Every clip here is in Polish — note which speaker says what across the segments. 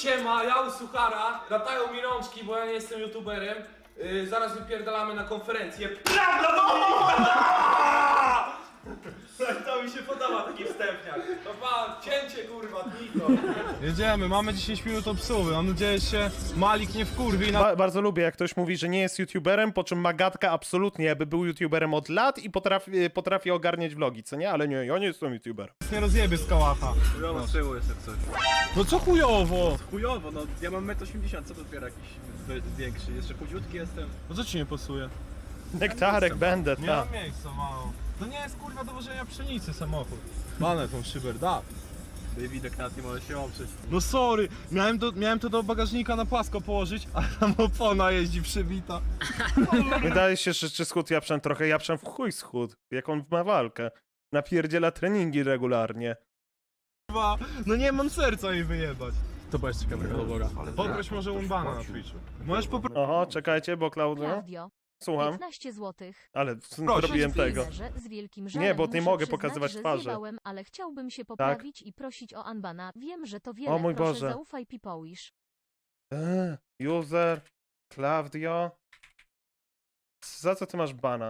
Speaker 1: siema, ja u Suchara, latają mi rączki, bo ja nie jestem youtuberem. Zaraz wypierdalamy na konferencję. Prawda, to mi się podoba taki wstępniak. To pa, cięcie kurwa, Niko.
Speaker 2: Jedziemy, mamy 10 minut obsługi. Mam nadzieję, że się Malik nie wkurwi.
Speaker 3: Bardzo lubię, jak ktoś mówi, że nie jest youtuberem, po czym Magatka absolutnie jakby był youtuberem od lat i potrafi ogarniać vlogi, co nie? Ale nie, ja nie jestem youtuberem.
Speaker 2: Nie rozjebie z kałacha.
Speaker 4: Chujowo z tyłu jest jak coś.
Speaker 2: No co chujowo?
Speaker 4: Chujowo, no ja mam 1,80 m, co dopiero jakiś większy, jeszcze chudziutki jestem.
Speaker 2: No co ci nie pasuje?
Speaker 3: Nektarek będę,
Speaker 2: Nie
Speaker 3: ta.
Speaker 2: mam miejsca mało. To nie jest kurwa do wożenia pszenicy samochód. Banę tą szybę, da.
Speaker 4: Widok nad nie może się oprzeć.
Speaker 2: No sorry, miałem to do bagażnika na płasko położyć, a tam opona jeździ przybita.
Speaker 3: Wydaje się, że czy schód Japszan trochę, Japszan w chuj schód, jak on ma walkę. Napierdziela treningi regularnie.
Speaker 2: Kurwa, no nie mam serca jej wyjebać.
Speaker 4: To była jeszcze ciekawego doboga.
Speaker 2: Poproś może Umbana na Twitchu. Możesz poprosić.
Speaker 3: Oho, czekajcie, bo Klaudio...
Speaker 5: Klaudio,
Speaker 3: Słucham,
Speaker 5: 15 zł.
Speaker 3: ale robiłem tego.
Speaker 5: Z wielkim
Speaker 3: Nie, bo nie
Speaker 5: muszę
Speaker 3: mogę
Speaker 5: przyznać,
Speaker 3: pokazywać
Speaker 5: że
Speaker 3: twarzy.
Speaker 5: zjebałem, ale chciałbym się poprawić i prosić o unbana. Wiem, że to wiele,
Speaker 3: O mój
Speaker 5: proszę
Speaker 3: Boże.
Speaker 5: zaufaj Pipoisz.
Speaker 3: User, Klaudio... Za co ty masz bana?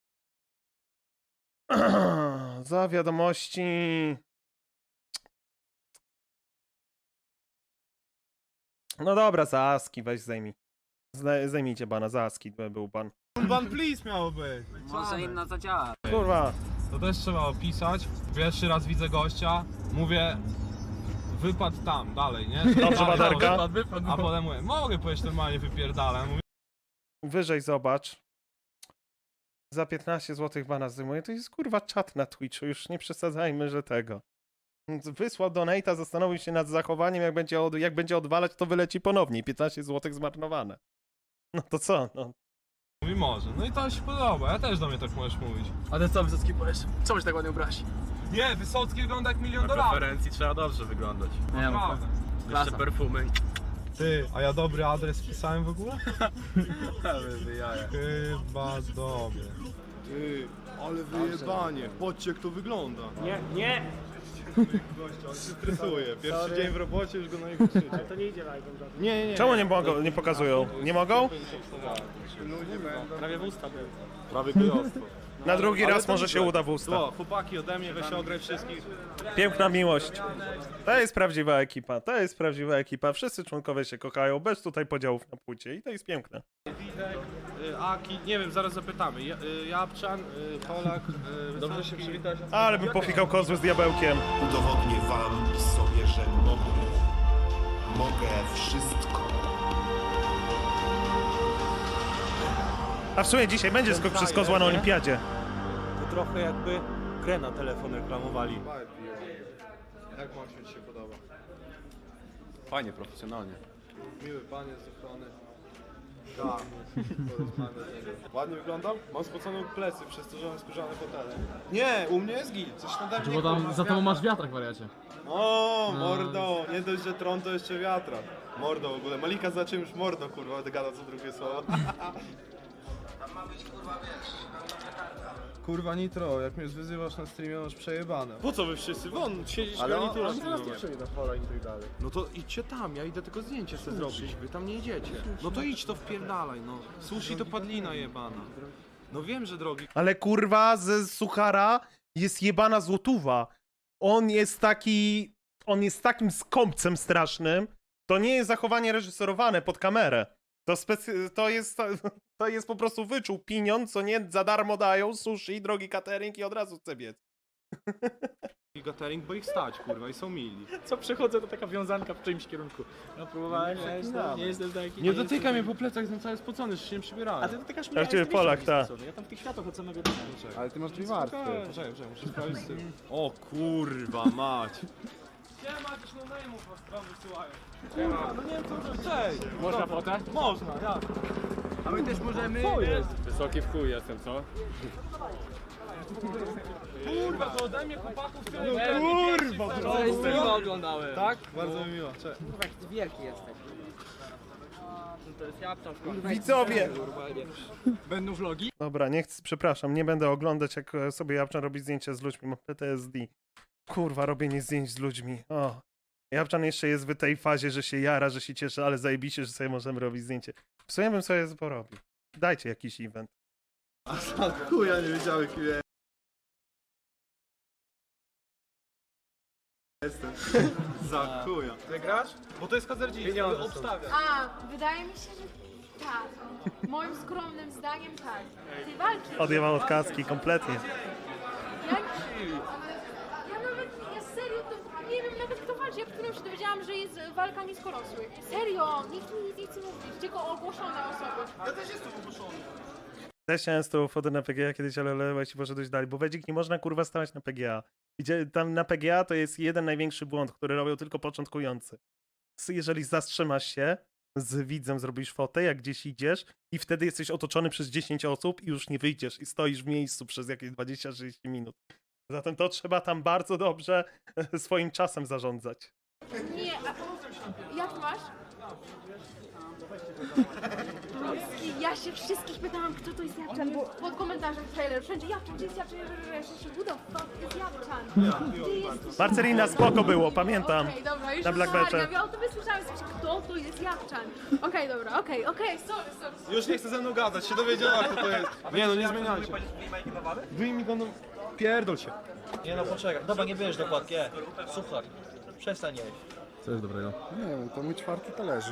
Speaker 3: Za wiadomości... No dobra, za ASCII weź zdejmij. Zdejmijcie bana, za ASCII był ban.
Speaker 2: Umban please miało być.
Speaker 6: Może inna zadziała.
Speaker 3: Kurwa.
Speaker 2: To też trzeba opisać. Pierwszy raz widzę gościa, mówię wypad tam, dalej, nie?
Speaker 3: Dobrze,
Speaker 2: Dalej,
Speaker 3: Baderka?
Speaker 2: wypad. A potem mówię, mogę powiedzieć normalnie wypierdalam. Mówię,
Speaker 3: Wyżej zobacz. Za 15 zł bana zdejmuję. To jest kurwa czat na Twitchu, już nie przesadzajmy, że tego. Wysłał donate'a, zastanowił się nad zachowaniem, jak będzie odwalać, to wyleci ponownie. 15 zł zmarnowane. No to co? No.
Speaker 2: mówi może. No i to się podoba, ja też do mnie tak możesz mówić.
Speaker 4: A ty co Wysocki powiesz? Co byś tak ładnie ubrać?
Speaker 2: Nie, Wysocki wygląda jak $1 000
Speaker 4: Na
Speaker 2: 000.
Speaker 4: konferencji trzeba dobrze wyglądać.
Speaker 6: Nie
Speaker 2: Naprawdę.
Speaker 4: Jeszcze perfumy.
Speaker 2: Ty, a ja dobry adres wpisałem w ogóle?
Speaker 4: Wy jaja.
Speaker 2: Chyba dobry.
Speaker 7: Ty, ale wyjebanie, patrzcie jak to wygląda.
Speaker 6: Nie!
Speaker 7: Gościa, on się stresuje. Pierwszy dzień w robocie, już go na niego krzyczy.
Speaker 6: To nie idzie live'em żadnym.
Speaker 7: Nie.
Speaker 3: Czemu nie mogą, nie pokazują? Nie mogą?
Speaker 6: Prawie w usta był.
Speaker 7: Prawie gejostwo.
Speaker 3: Na drugi raz może się uda w usta.
Speaker 7: To, chłopaki ode mnie, weź ograj wszystkich.
Speaker 3: Piękna miłość. To jest prawdziwa ekipa, to jest prawdziwa ekipa. Wszyscy członkowie się kochają, bez tutaj podziałów na płcie i to jest piękne.
Speaker 7: Widek, Aki, nie wiem, zaraz zapytamy. Japczan, Polak, dobrze się przywitać.
Speaker 3: Ale bym pofikał kozły z diabełkiem.
Speaker 8: Udowodnię wam i sobie, że mogę wszystko.
Speaker 3: A w sumie dzisiaj będzie skok przez kozła na olimpiadzie.
Speaker 9: To trochę jakby grę na telefon reklamowali.
Speaker 7: Jak Maksiu ci się podoba?
Speaker 4: Fajnie, profesjonalnie.
Speaker 7: Miły pan jest z ochrony. Tak, ładnie wyglądam? Mam spocone plecy przez to, że mam skórzane fotele. Nie, u mnie jest git, coś nade mnie.
Speaker 6: Bo tam
Speaker 7: kurwa,
Speaker 6: za tobą
Speaker 7: wiatra.
Speaker 6: masz wiatrak, wariacie.
Speaker 7: O, mordo, nie dość, że tron, to jeszcze wiatra. Mordo w ogóle, Malika za czymś mordo, kurwa, gada co drugie słowo.
Speaker 2: Kurwa Nitro, jak mnie wyzywasz na streamie, masz przejebane.
Speaker 7: Po co wy wszyscy? Won, siedzisz
Speaker 9: Ale
Speaker 7: garnitura.
Speaker 9: on zaraz nie przyjdzie na pola i tak dalej.
Speaker 7: No to idźcie tam, ja idę tylko zdjęcie sobie zrobić, wy tam nie idziecie. No to idź to wpierdalaj, no. Sushi to padlina jebana. No wiem, że drogi.
Speaker 3: Ale kurwa, ze Suchara jest jebana złotówa. On jest takim skąpcem strasznym. To nie jest zachowanie reżyserowane pod kamerę. To jest po prostu wyczuł pieniądz, co nie za darmo dają, sushi, drogi catering i od razu chce biec.
Speaker 7: Catering, bo ich stać, kurwa, i są mili.
Speaker 6: Co przechodzę, to taka wiązanka w czyimś kierunku. No próbowałem, nie jestem taki.
Speaker 7: Nie dotykaj mnie po plecach, jestem cały spocony, jeszcze się nie przybierałem.
Speaker 6: A ty dotykasz mnie,
Speaker 3: Tak, ciebie Polak, tak.
Speaker 6: Ja tam w tych światach od samego dnia.
Speaker 7: Ale ty masz dwie warstwy. Poczekaj, muszę sprawdzić z tym. O kurwa mać.
Speaker 1: Siema, jakiś no-name'ów was wam wysyłają.
Speaker 7: No nie wiem co to cześć.
Speaker 6: Można fotę?
Speaker 7: Można, ja.
Speaker 6: A my też możemy. Co jest? Wysoki w chuj jestem, co?
Speaker 1: Kurwa, to ode mnie chłopaków tyle.
Speaker 7: Kurwa,
Speaker 6: Streama oglądałem.
Speaker 7: tak? Bardzo mi miło, cześć.
Speaker 6: Kurwa, jaki ty wielki jesteś. To jest japczan.
Speaker 3: Widzowie!
Speaker 6: Będą vlogi?
Speaker 3: Dobra, nie chcę, przepraszam, nie będę oglądać, jak sobie Japczan robi zdjęcia z ludźmi, mam PTSD. Kurwa, robienie zdjęć z ludźmi. O. Japczan jeszcze jest w tej fazie, że się jara, że się cieszy, ale zajebiście, że sobie możemy robić zdjęcie. W sumie bym sobie porobił. Dajcie jakiś event.
Speaker 7: A za chuja nie wiedziałem kim ja jestem. Za chuja. Ty grasz? Bo to jest hazardzista, obstawia.
Speaker 10: A, wydaje mi się, że tak. Moim skromnym zdaniem tak. Tej walki.
Speaker 3: Odjebał od kaski kompletnie.
Speaker 10: Ja serio to nie wiem nawet kto walczy. Ja dopiero się dowiedziałam, że jest walka niskorosłych. Serio, nikt mi nic nie chce mówić, tylko ogłoszone osoby.
Speaker 7: Ja też jestem ogłoszony.
Speaker 3: Też chciałem z tą fotę na PGA kiedyś, ale właśnie poszedłeś dalej, bo Wedzik nie można kurwa stawać na PGA. Gdzie tam na PGA to jest jeden największy błąd, który robią tylko początkujący. Jeżeli zatrzymasz się z widzem, zrobisz fotę, jak gdzieś idziesz i wtedy jesteś otoczony przez 10 osób i już nie wyjdziesz i stoisz w miejscu przez jakieś 20-30 minut. Zatem to trzeba tam bardzo dobrze swoim czasem zarządzać.
Speaker 10: Nie, a jak masz? Ruski, ja się wszystkich pytałam, kto to jest Japczan, bo pod komentarzem w trailer wszędzie Japczan, gdzie jest Japczan, ja się who the fuck jest Japczan? Gdzie jest...
Speaker 3: Marcelina, spoko było, pamiętam.
Speaker 10: Okej, dobra, już
Speaker 3: Na Black Bearze.
Speaker 10: Ja o tobie słyszałem, kto to jest Japczan. Okej, dobra, okej, sorry.
Speaker 7: Już nie chce ze mną gadać, się dowiedziała kto to jest. Nie no, nie zmieniajcie. Wyjmij go, no... Pierdol się.
Speaker 4: Nie no, poczekaj. Dobra, nie bierz dokładki, Słuchaj, przestań jeść.
Speaker 7: Co jest dobrego?
Speaker 11: Nie wiem, to mój 4. talerzyk.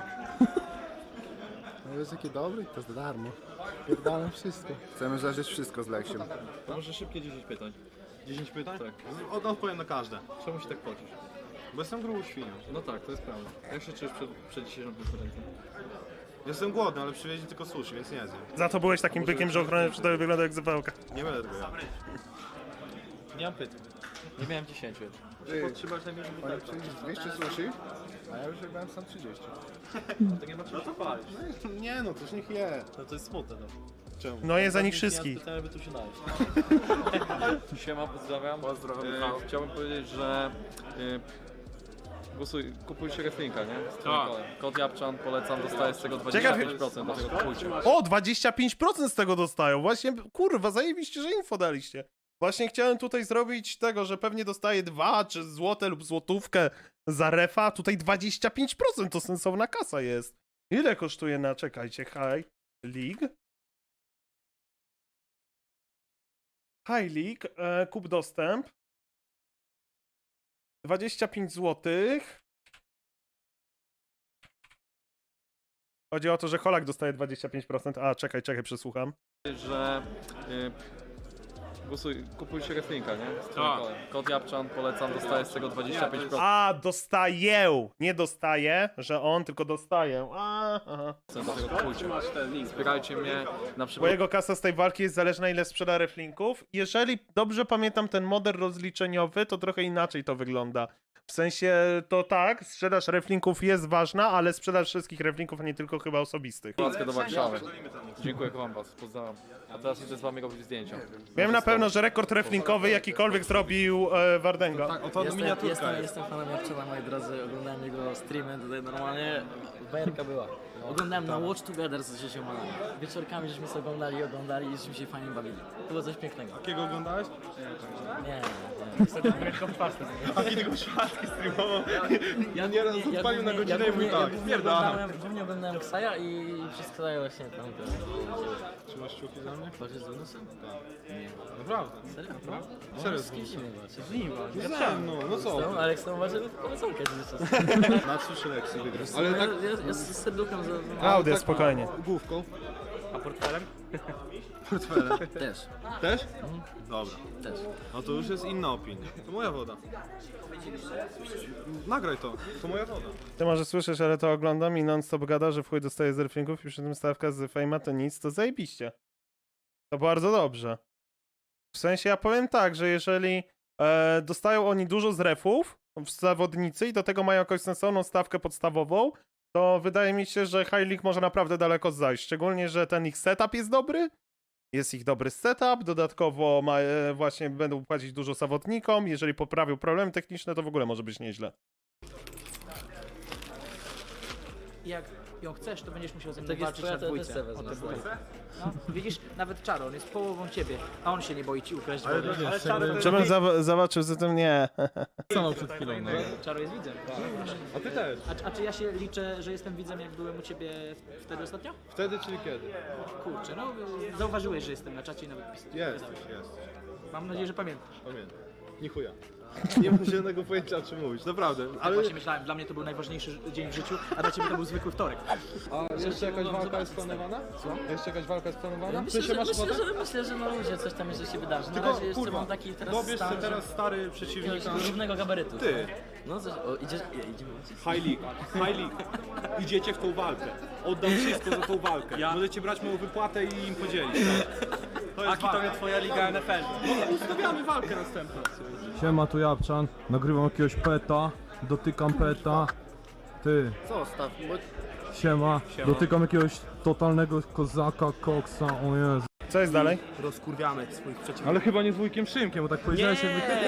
Speaker 11: No jest jaki dobry, to za darmo. Pierdalam wszystko. Chcemy zażyć wszystko z Leksiem.
Speaker 4: Może szybkie 10 pytań.
Speaker 7: 10 pytań? Tak. Odpowiem na każde.
Speaker 4: Czemu się tak pocisz?
Speaker 7: Bo jestem grubą świnią.
Speaker 4: No tak, to jest prawda. Jak się czujesz przed dzisiejszą konferencją?
Speaker 7: Jestem głodny, ale przywieźli tylko sushi, więc nie zjem.
Speaker 3: Za to byłeś takim bykiem, że ochroniarz przy tobie wygląda jak zapałka.
Speaker 7: Nie będę tego jadł.
Speaker 4: Nie mam pytań. Nie miałem 10.
Speaker 7: Podtrzymać najmniej
Speaker 11: Oni przyjdzie 200 sushi, a ja już jadłem sam 30.
Speaker 4: To nie ma czego chwalić.
Speaker 11: Nie no, toż niech je.
Speaker 4: No to jest smutne, no.
Speaker 7: Czemu?
Speaker 3: No jest za nich wszystkich.
Speaker 4: Pytałem, by tu się najeść. Siema, pozdrawiam. Chciałbym powiedzieć, że kupujcie wrestlinga, nie? Z trójkolem. Kod Japczan, polecam, dostaję z tego 25%, dlatego kupujcie.
Speaker 3: O, 25% z tego dostają. Właśnie, kurwa, zajebiście, że info daliście. Właśnie chciałem tutaj zrobić tego, że pewnie dostaję 2 czy złote lub złotówkę za refa. Tutaj 25% to sensowna kasa jest. Ile kosztuje na, czekajcie, High League? High League, kup dostęp. 25 zł. Chodzi o to, że Holak dostaje 25%. A, czekaj, przesłucham.
Speaker 4: Że kupujcie wrestlinga, nie? Z trójkolem. Kod Japczan, polecam, dostaję z tego 25%.
Speaker 3: A, dostaję! Nie dostaję, że on, tylko dostaję. Aha.
Speaker 4: Dlatego kupujcie. Wspierajcie mnie na
Speaker 3: Bo
Speaker 4: przykład.
Speaker 3: jego kasa z tej walki jest zależna, ile sprzeda reflinków. Jeżeli dobrze pamiętam ten model rozliczeniowy, to trochę inaczej to wygląda. W sensie to tak, sprzedaż reflinków jest ważna, ale sprzedaż wszystkich reflinków, a nie tylko chyba osobistych.
Speaker 4: do Warszawy. Dziękuję, kocham was, pozdrawiam. A teraz idę z wami robić zdjęcia.
Speaker 3: Wiem na pewno, że rekord reflinkowy jakikolwiek zrobił Wardenga.
Speaker 7: Tak, oto miniaturka jest.
Speaker 6: Jestem fanem Japczana, moi drodzy. Oglądałem jego streamy tutaj normalnie. Bajerka była. Oglądałem na Watch Together z dzieciomami. Wieczorkami żeśmy sobie oglądali i żeśmy się fajnie bawili. To było coś pięknego.
Speaker 7: Jakiego oglądałeś?
Speaker 6: Nie.
Speaker 7: Taki tylko czwartki streamował. Nieraz odpalił na godzinę i mówił tak, pierdala.
Speaker 6: Głównie oglądałem Ksaja i przez Ksaja właśnie tam.
Speaker 7: Trzymasz kciuki za mnie?
Speaker 6: Walczysz z Wenusem? Nie.
Speaker 7: Naprawdę.
Speaker 6: Serio?
Speaker 7: Serio,
Speaker 6: Z kim się nie walczy?
Speaker 7: no co?
Speaker 6: No, Aleks to uważa, że to poleconkę cały czas.
Speaker 7: Na 3 lekcje wygrasz.
Speaker 6: Ale tak... Ja z serduchem za...
Speaker 3: Klaudia, spokojnie.
Speaker 7: Główką.
Speaker 6: A portfelem?
Speaker 7: Portfelem.
Speaker 6: Też.
Speaker 7: Też? Dobra.
Speaker 6: Też.
Speaker 7: No to już jest inna opinia. To moja woda. Nagraj to. To moja woda.
Speaker 3: Ty może słyszysz, ale to oglądam i non-stop gada, że w chuj dostaje z reflinków i przy tym stawka z Fejma to nic, to zajebiście. To bardzo dobrze. W sensie ja powiem tak, że jeżeli dostają oni dużo z refów w zawodnicy i do tego mają jakąś sensowną stawkę podstawową, to wydaje mi się, że High League może naprawdę daleko zajść. Szczególnie, że ten ich setup jest dobry. Jest ich dobry setup, dodatkowo właśnie będą płacić dużo zawodnikom. Jeżeli poprawią problemy techniczne, to w ogóle może być nieźle.
Speaker 6: Jak ją chcesz, to będziesz musiał ze mną
Speaker 4: Tak jest
Speaker 6: walczyć
Speaker 4: twoja,
Speaker 6: na
Speaker 4: to ja
Speaker 6: dwójce.
Speaker 4: też sobie wezmę.
Speaker 6: O tę dwójkę. No, widzisz, nawet Czaro, on jest połową ciebie, a on się nie boi ci ukraść
Speaker 7: Ale,
Speaker 6: wody.
Speaker 7: ale Czaro,
Speaker 3: Żebym zobaczył, zatem nie.
Speaker 4: Co przed chwilą, no.
Speaker 6: Czaro jest widzem.
Speaker 7: a ty też.
Speaker 6: A czy ja się liczę, że jestem widzem, jak byłem u ciebie wtedy ostatnio?
Speaker 7: Wtedy, czyli kiedy?
Speaker 6: Kurczę, no zauważyłeś, że jestem na czacie i nawet pisałem.
Speaker 7: Jesteś.
Speaker 6: Mam nadzieję, że pamiętasz.
Speaker 7: Pamiętam. Ni chuja. Nie mam żadnego pojęcia, o czym mówić, naprawdę.
Speaker 6: Ale właśnie myślałem, dla mnie to był najważniejszy dzień w życiu, a dla ciebie to był zwykły wtorek.
Speaker 7: A jeszcze jakaś walka jest planowana? Co? Jeszcze jakaś walka jest planowana?
Speaker 6: Myślę,
Speaker 7: Ty się masz ochotę?
Speaker 6: że na ludzie coś tam jeszcze się wydarzy. Na
Speaker 7: Tylko,
Speaker 6: razie jeszcze
Speaker 7: kurwa,
Speaker 6: mam taki teraz
Speaker 7: dobierz
Speaker 6: stan,
Speaker 7: sobie teraz stary przeciwnika.
Speaker 6: równego gabarytu.
Speaker 7: Ty.
Speaker 6: No coś, idziemy.
Speaker 7: High League. Idziecie w tą walkę. Oddam wszystko za tą walkę. Możecie brać moją wypłatę i im podzielić. To jest walka. To jest twoja liga NFL. No, ustawiamy walkę następną.
Speaker 2: Siema, tu Japczan, nagrywam jakiegoś peta, dotykam peta. Ty,
Speaker 11: Zostaw, bo
Speaker 2: siema, dotykam jakiegoś totalnego kozaka, koksa, o Jezu.
Speaker 3: Co jest dalej?
Speaker 7: Rozkurwiamy swoich przeciwników.
Speaker 2: Ale chyba nie z wujkiem Szymkiem, bo tak powiedziałeś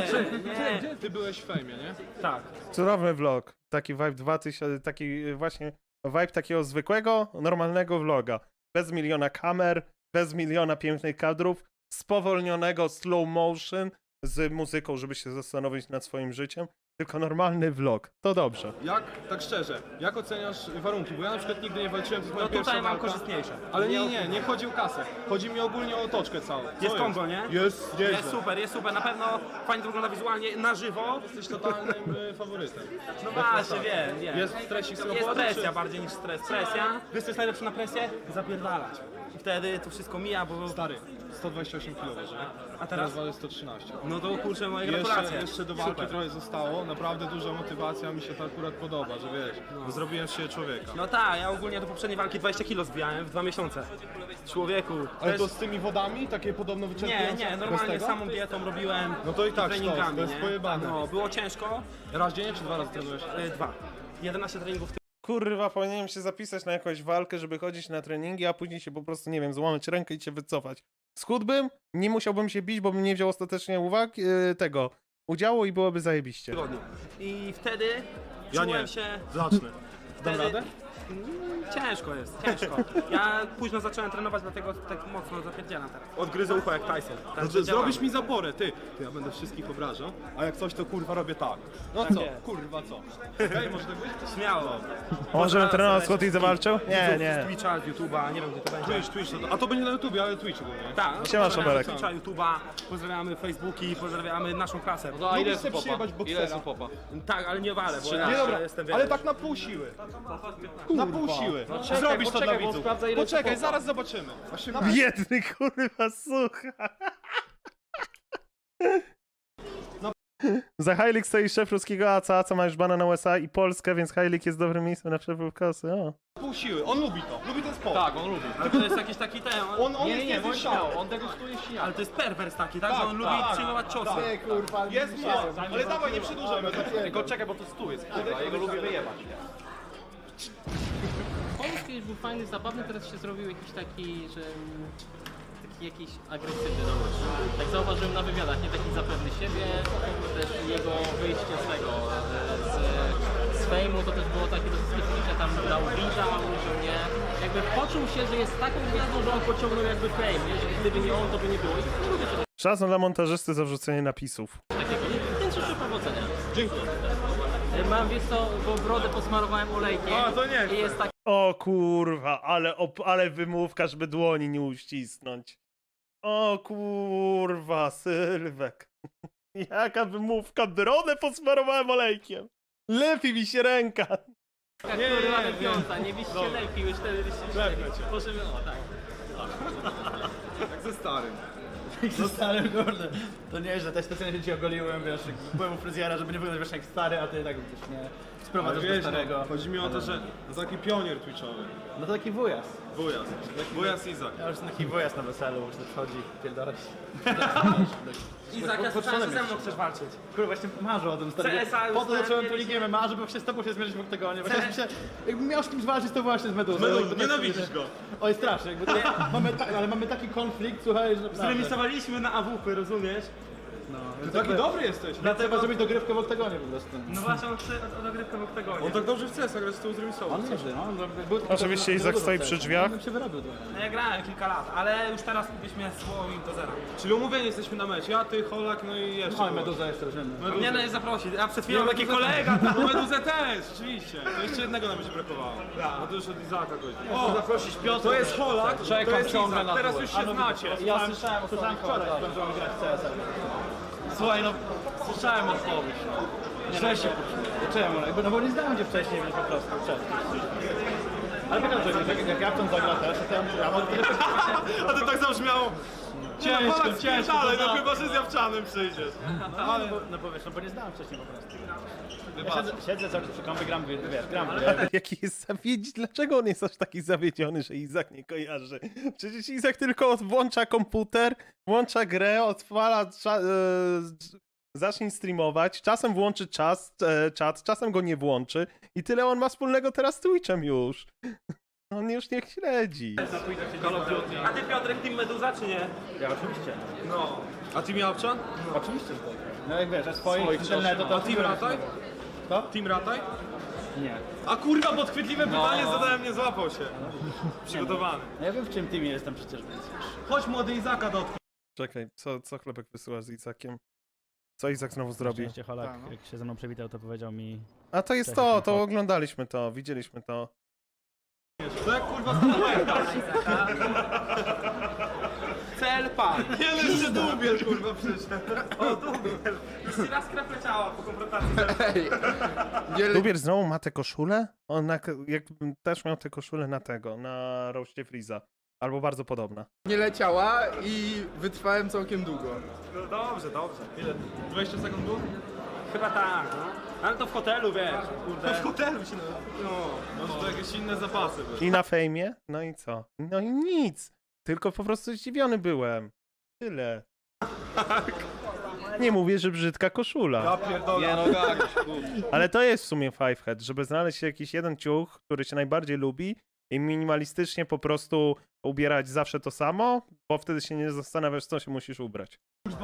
Speaker 7: Nie, ty byłeś w fejmie, nie?
Speaker 6: Tak.
Speaker 3: Cudowny vlog. Taki vibe 2000, taki właśnie vibe takiego zwykłego, normalnego vloga. Bez miliona kamer, bez miliona pięknych kadrów, spowolnionego slow motion z muzyką, żeby się zastanowić nad swoim życiem. Tylko normalny vlog. To dobrze.
Speaker 7: Jak, tak szczerze, jak oceniasz warunki? Bo ja na przykład nigdy nie walczyłem, to jest moja
Speaker 6: No
Speaker 7: pierwsza
Speaker 6: tutaj mam
Speaker 7: walka.
Speaker 6: korzystniejsze.
Speaker 7: Ale nie chodzi o kasę. Chodzi mi ogólnie o otoczkę całą. Co
Speaker 1: Jest kombo, nie?
Speaker 7: Jest nieźle.
Speaker 1: jest super, na pewno fajnie to wygląda wizualnie, na żywo.
Speaker 7: Jesteś totalnym faworytem.
Speaker 1: No właśnie, wiem.
Speaker 7: Jest stresik z
Speaker 1: Jest
Speaker 7: roboty,
Speaker 1: presja
Speaker 7: czy...
Speaker 1: bardziej niż stres. Presja. Wiesz co jest najlepsze na presję? Zapierdalać. I wtedy to wszystko mija, bo...
Speaker 7: Stary, 128 kg waży, nie?
Speaker 1: A teraz?
Speaker 7: Teraz waży 113.
Speaker 1: No to kurczę, moje gratulacje.
Speaker 7: Jeszcze do walki trochę zostało. Naprawdę duża motywacja, mi się to akurat podoba, że wiesz, zrobiłem z siebie człowieka.
Speaker 1: No tak, ja ogólnie do poprzedniej walki 20 kg zbijałem w 2 miesiące. Człowieku.
Speaker 7: Ale to z tymi wodami, takie podobno wyczerpujące?
Speaker 1: Nie,
Speaker 7: Bez
Speaker 1: normalnie
Speaker 7: tego?
Speaker 1: samą dietą robiłem.
Speaker 7: No to i tak
Speaker 1: treningami,
Speaker 7: to jest
Speaker 1: nie?
Speaker 7: pojebane.
Speaker 1: No, było ciężko.
Speaker 7: Raz dziennie czy 2 razy trenujesz?
Speaker 1: 2. 11 treningów
Speaker 3: Kurwa, powinienem się zapisać na jakąś walkę, żeby chodzić na treningi, a później się po prostu, nie wiem, złamać rękę i się wycofać. Schudłbym, nie musiałbym się bić, bo bym nie wziął ostatecznie tego udziału i byłoby zajebiście.
Speaker 1: tygodniu. I wtedy
Speaker 7: Ja
Speaker 1: czułem
Speaker 7: nie.
Speaker 1: się...
Speaker 7: Zacznę. Dam
Speaker 1: Wtedy-
Speaker 7: radę?
Speaker 1: Ciężko jest, ciężko. Ja późno zacząłem trenować, dlatego tak mocno zapierdzielam teraz. Odgryzę ucho jak Tyson.
Speaker 7: No,
Speaker 1: Także
Speaker 7: zrobisz
Speaker 1: działamy.
Speaker 7: mi zaporę, ty. To ja będę wszystkich obrażał, a jak coś to kurwa robię tak. No
Speaker 1: Tak
Speaker 7: co?
Speaker 1: jest.
Speaker 7: Kurwa co? Okej, może tak być?
Speaker 1: Śmiało.
Speaker 3: A może bym trenował Scott i zawalczył? Nie,
Speaker 1: Z
Speaker 3: nie.
Speaker 1: Twitcha, z YouTube'a, nie wiem gdzie to będzie.
Speaker 7: Twitch, a to będzie na YouTubie, ale Twitch ogólnie.
Speaker 1: Tak,
Speaker 3: Siema,
Speaker 1: pozdrawiamy
Speaker 3: Szabelek.
Speaker 1: Twitcha, YouTube'a, pozdrawiamy Facebooki, pozdrawiamy naszą klasę.
Speaker 4: No a ile
Speaker 7: Lubisz
Speaker 4: jest
Speaker 7: sobie
Speaker 4: popa?
Speaker 7: przyjebać
Speaker 4: Ile
Speaker 7: boksera?
Speaker 4: jest popa?
Speaker 1: Tak, ale nie walę, bo ja
Speaker 7: Nie dobra,
Speaker 1: jestem
Speaker 7: ale tak na pół siły. Na pół siły.
Speaker 1: czekaj,
Speaker 7: Zrobisz to dla
Speaker 1: poczekaj, bo
Speaker 7: widzów.
Speaker 1: sprawdzę, ile
Speaker 7: Poczekaj,
Speaker 1: jest popa.
Speaker 7: zaraz zobaczymy. Właśnie na...
Speaker 3: Biedny kurwa, słucha. Za Heilig stoi szef ruskiego ACA, co ma już bana na USA i Polskę, więc Heilig jest dobrym miejscem na przepływ kosy. O.
Speaker 7: pół siły. On lubi to. Lubi ten sport.
Speaker 4: Tak, on lubi.
Speaker 1: Ale to jest jakiś taki ten...
Speaker 7: On jest
Speaker 4: bądź
Speaker 7: niezniszczalny.
Speaker 4: śmiało, on degustuje świat.
Speaker 1: Ale to jest perwers taki, tak? Że on lubi
Speaker 7: tak,
Speaker 1: przyjmować ciosy.
Speaker 11: Nie, kurwa,
Speaker 7: Jest moc, ale dawaj, nie przedłużamy.
Speaker 4: Tylko czekaj, bo to stół jest, kurwa, jego lubię wyjebać.
Speaker 12: Pomysł kiedyś był fajny, zabawny, teraz się zrobił jakiś taki, że... taki jakiś agresywny dosyć. Tak zauważyłem na wywiadach, nie taki zapewny siebie, też jego wyjście z tego, z fejmu, to też było takie dosyć specyficzne, tam dał blinda, użył nie. Jakby poczuł się, że jest taką gwiazdą, że on pociągnął jakby fame, nie? Że gdyby nie on, to by nie było. I lubię czegoś
Speaker 3: Szacun dla montażysty za wrzucenie napisów.
Speaker 12: takiego, nie? Więc życzę powodzenia.
Speaker 7: Dziękuję.
Speaker 12: Mam, wiesz co, bo brodę posmarowałem olejkiem
Speaker 7: A, to nie
Speaker 12: i jest tak
Speaker 3: O kurwa, ale wymówka, żeby dłoni nie uścisnąć. O kurwa, Sylwek. Jaka wymówka, brodę posmarowałem olejkiem. Lepi mi się ręka.
Speaker 12: kurwa lepiąca, nie byście lepiej, już wtedy byście
Speaker 7: Lepę cię.
Speaker 12: możemy, o tak.
Speaker 7: Jak ze starym.
Speaker 6: No stary, kurde. To nieźle, też specjalnie się ci ogoliłem, wiesz, byłem u fryzjera, żeby nie wyglądać wiesz jak stary, a ty tak wiesz, nie sprowadzasz do
Speaker 7: Wiesz,
Speaker 6: starego.
Speaker 7: chodzi mi o to, że to taki pionier twitchowy.
Speaker 6: No to taki wujas.
Speaker 7: Wujas. Wujas Izak.
Speaker 6: Ja już taki wujas na weselu, już wchodzi, pierdolać.
Speaker 1: Izak, ja słyszałem, że ze mną chcesz walczyć.
Speaker 6: Kurwa, właśnie marzę o tym, stary.
Speaker 1: CSA już
Speaker 6: Po to
Speaker 1: znałem
Speaker 6: zacząłem
Speaker 1: kiedyś.
Speaker 6: tu ligę MMA, żeby się z tobą się zmierzyć w oktagonie. Właśnie się, jakbym miał z kimś walczyć, to właśnie z Meduzą.
Speaker 7: Meduzą,
Speaker 6: Jakby tak
Speaker 7: nienawidzisz
Speaker 6: sobie-
Speaker 7: go.
Speaker 6: Oj, strasznie, jakby to, ale mamy taki konflikt, słuchaj, że naprawdę.
Speaker 1: Zremisowaliśmy na AWP, rozumiesz?
Speaker 7: Ty taki dobry jesteś.
Speaker 9: Dlatego zrobić dogrywkę w oktagonie po prostu.
Speaker 12: No właśnie, on chce o dogrywkę w oktagonie.
Speaker 7: On tak dobrze w CS grać z tyłu zremisował.
Speaker 9: On nieźle, no.
Speaker 3: Oczywiście Izak stoi przy drzwiach.
Speaker 9: Bym się wyrobił trochę.
Speaker 1: No ja grałem kilka lat, ale już teraz byśmy szło im do zera.
Speaker 7: Czyli umówieni jesteśmy na mecz. Ja, ty, Holak, no i jeszcze.
Speaker 9: Mamy Meduza jeszcze weźmiemy.
Speaker 1: Mnie nie zaprosić, a przed chwilą taki
Speaker 7: Meduzę
Speaker 1: kolega
Speaker 7: też.
Speaker 1: tam.
Speaker 7: No Meduzę też, rzeczywiście. To jeszcze jednego nam będzie brakowało. No to już od Izaka gości.
Speaker 1: O, zaprosić Piotra.
Speaker 7: To jest Holak,
Speaker 9: Czekam
Speaker 7: to jest
Speaker 9: ciągle
Speaker 7: Izak.
Speaker 9: na
Speaker 7: Teraz
Speaker 9: dół.
Speaker 7: już się znacie.
Speaker 9: Ja słyszałem wczoraj, że będziemy grać w CS. Słuchaj, no słyszałem odpowiedź. Źle się poczułem. Czemu? No bo nie znałem cię wcześniej, więc po prostu ale wygląda, że jak Japczan zagra też, to ja mogę tyle.
Speaker 7: A to tak zabrzmiało.
Speaker 9: Ciężko,
Speaker 7: Ale no
Speaker 9: no.
Speaker 7: chyba, że z Japczanem przyjdziesz.
Speaker 9: No powiesz, no bo nie znałem wcześniej po prostu. Ja siedzę cały czas przy kąpie, gram, wiesz, gram.
Speaker 3: Jaki jest zawiedziony? Dlaczego on jest aż taki zawiedziony, że Izak nie kojarzy? Przecież Izak tylko włącza komputer, włącza grę, odpala, zacznie streamować, czasem włączy czat, czasem go nie włączy i tyle on ma wspólnego teraz z Twitchem już. On już nie śledzi.
Speaker 1: A ty Piotrek Team Meduza czy nie?
Speaker 9: Ja oczywiście.
Speaker 1: No.
Speaker 7: A Team Japczan?
Speaker 9: Oczywiście, że tak. No jak wiesz, a swoich internetu to...
Speaker 7: A Team Rataj?
Speaker 9: Co?
Speaker 7: Team Rataj?
Speaker 9: Nie.
Speaker 7: A kurwa, podchwytliwe pytanie zadałem, nie złapał się. Przygotowany.
Speaker 9: No ja wiem w czym teamie jestem przecież, więc wiesz.
Speaker 7: Chodź młody Izaka do
Speaker 3: Czekaj, co Chlebek wysyła z Izakiem? Co Izak znowu zrobił?
Speaker 9: Oczywiście Holak, jak się ze mną przywitał, to powiedział mi...
Speaker 3: A to jest to oglądaliśmy to, widzieliśmy to.
Speaker 7: To jak kurwa
Speaker 1: Cel pan.
Speaker 7: Nie, no jeszcze Dubiel kurwa przyszedł.
Speaker 1: O, Dubiel. Jeszcze raz krew leciała po konfrontacji.
Speaker 3: Dubiel znowu ma tę koszulę? On jakbym też miał tę koszulę na tego, na roście Freeza. Albo bardzo podobna.
Speaker 11: Nie leciała i wytrwałem całkiem długo.
Speaker 7: No dobrze. Ile? 20 sekund było?
Speaker 1: Chyba tak, no. Ale to w hotelu, wiesz, kurde.
Speaker 7: W hotelu się no, może to jakieś inne zapasy były.
Speaker 3: I na fejmie? No i co? No i nic. Tylko po prostu zdziwiony byłem. Tyle. Nie mówię, że brzydka koszula.
Speaker 7: Ja pierdolę.
Speaker 4: Nie no tak.
Speaker 3: Ale to jest w sumie fivehead, żeby znaleźć jakiś jeden ciuch, który się najbardziej lubi i minimalistycznie po prostu ubierać zawsze to samo, bo wtedy się nie zastanawiasz, co się musisz ubrać.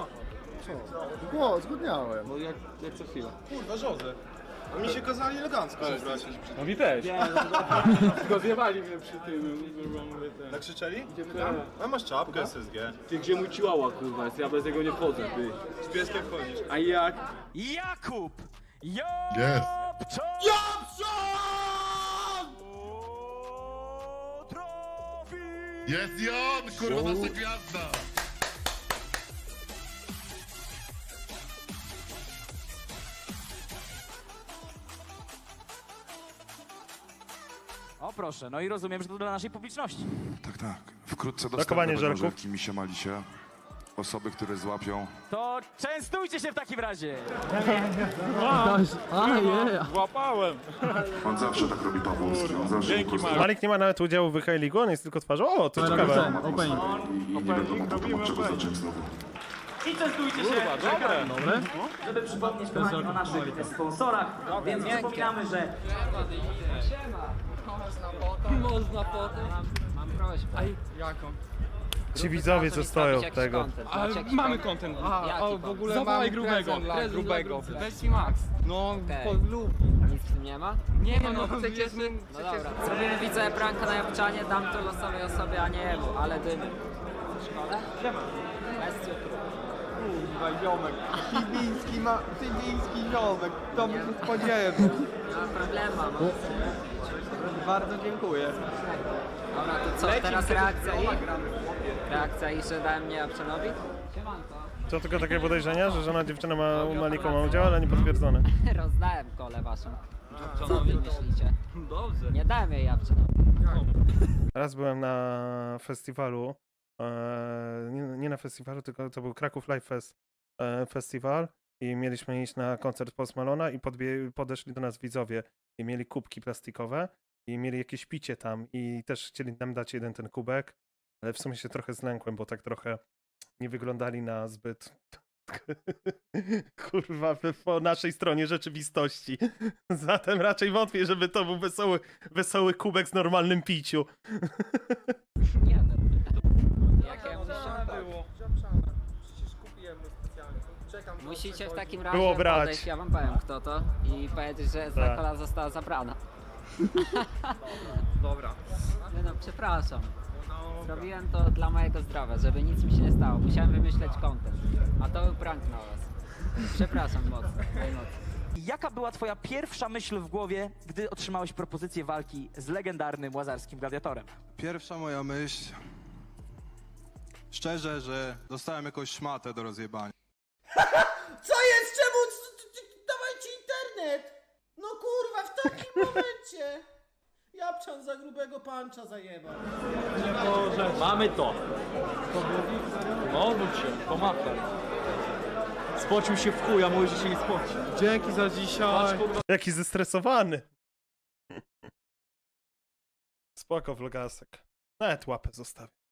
Speaker 11: O, zgodniałem.
Speaker 4: No jak co chwilę.
Speaker 7: Kurwa, żołdę. A mi się kazali elegancko ubrać.
Speaker 4: No mi też.
Speaker 7: Tylko zjewali mnie przy tym. Tak krzyczeli? A masz czapkę SSG.
Speaker 9: Ty gdzie mój ciłała, kurwa, jest? Ja bez niego nie wchodzę, ty.
Speaker 7: Z pieskiem wchodzisz.
Speaker 9: A jak?
Speaker 13: Jakub!
Speaker 8: Jest. Jest i on, kurwa, nasza gwiazda.
Speaker 13: O proszę, no i rozumiem, że to dla naszej publiczności.
Speaker 8: Tak. Wkrótce
Speaker 3: Brakowanie
Speaker 8: dostępne będą
Speaker 3: żelków.
Speaker 8: żelki Misia Malisie. Osoby, które złapią.
Speaker 13: To częstujcie się w takim razie.
Speaker 9: Złapałem!
Speaker 8: On zawsze tak robi Pawłowski. On zawsze
Speaker 9: Dzięki, Marek.
Speaker 3: Malik nie ma nawet udziału w High League, on jest tylko twarzą. O, to ciekawe.
Speaker 8: Opening. I nie wiadomo potem od czego zacząć znowu.
Speaker 12: I częstujcie się,
Speaker 9: Dobre.
Speaker 12: żeby przypomnieć kochani o naszych sponsorach, więc przypominamy, że... Można potem. Mam prośbę. Jaką?
Speaker 3: Ci widzowie, co stoją od tego.
Speaker 1: Ale mamy content.
Speaker 11: w ogóle
Speaker 1: Zawołaj grubego.
Speaker 11: grubego.
Speaker 1: Weź mi Max.
Speaker 11: No,
Speaker 10: Nic w tym nie ma?
Speaker 1: Nie ma, no przecież...
Speaker 10: No dobra. Zrobimy widzę pranka na Japczanie, dam to losowej osobie, a nie jemu, ale dymy. W szkole? Bez cukru.
Speaker 11: kurwa, ziomek. Tybiński ziomek. To by się spodziewał.
Speaker 10: Nie ma problemu, no.
Speaker 11: Bardzo dziękuję.
Speaker 10: Dobra, to co, teraz reakcja i? Reakcja i, że dałem mnie Japczanowi?
Speaker 3: To tylko takie podejrzenia, że żona dziewczyna ma u Malika ma udział, ale nie potwierdzone.
Speaker 10: Rozdałem kole waszą. Co wy myślicie? Dobrze. Nie dałem jej Japczanowi.
Speaker 3: Raz byłem na festiwalu, nie na festiwalu, tylko to był Kraków Live Fest festiwal i mieliśmy iść na koncert Post Malona i podeszli do nas widzowie i mieli kubki plastikowe i mieli jakieś picie tam i też chcieli nam dać jeden ten kubek, ale w sumie się trochę zlękłem, bo tak trochę nie wyglądali na zbyt kurwa po naszej stronie rzeczywistości. Zatem raczej wątpię, żeby to był wesoły kubek z normalnym piciu.
Speaker 10: Jakie
Speaker 1: było? Przecież kupiłem specjalnie.
Speaker 14: Musicie w takim razie
Speaker 3: Było brać.
Speaker 14: podejść, ja wam powiem kto to i powiedzieć, że zakola została zabrana.
Speaker 4: Dobra.
Speaker 14: Nie no, przepraszam. Zrobiłem to dla mojego zdrowia, żeby nic mi się nie stało. Musiałem wymyśleć content. A to był prank na was. Przepraszam mocno, najmocniej.
Speaker 13: Jaka była twoja pierwsza myśl w głowie, gdy otrzymałeś propozycję walki z legendarnym łazarskim gladiatorem?
Speaker 15: Pierwsza moja myśl, szczerze, że dostałem jakąś szmatę do rozjebania.
Speaker 16: Co jest? Czemu? Dawajcie internet! No kurwa, w takim momencie! Japczan za grubego pancza zajebał.
Speaker 7: Mamy to. No, odwróć się, pomachaj. Spocił się w chuj, a mówi, że się nie spoci.
Speaker 2: Dzięki za dzisiaj.
Speaker 3: Jaki zestresowany. Spoko, vlogasek. Nawet łapę zostawię.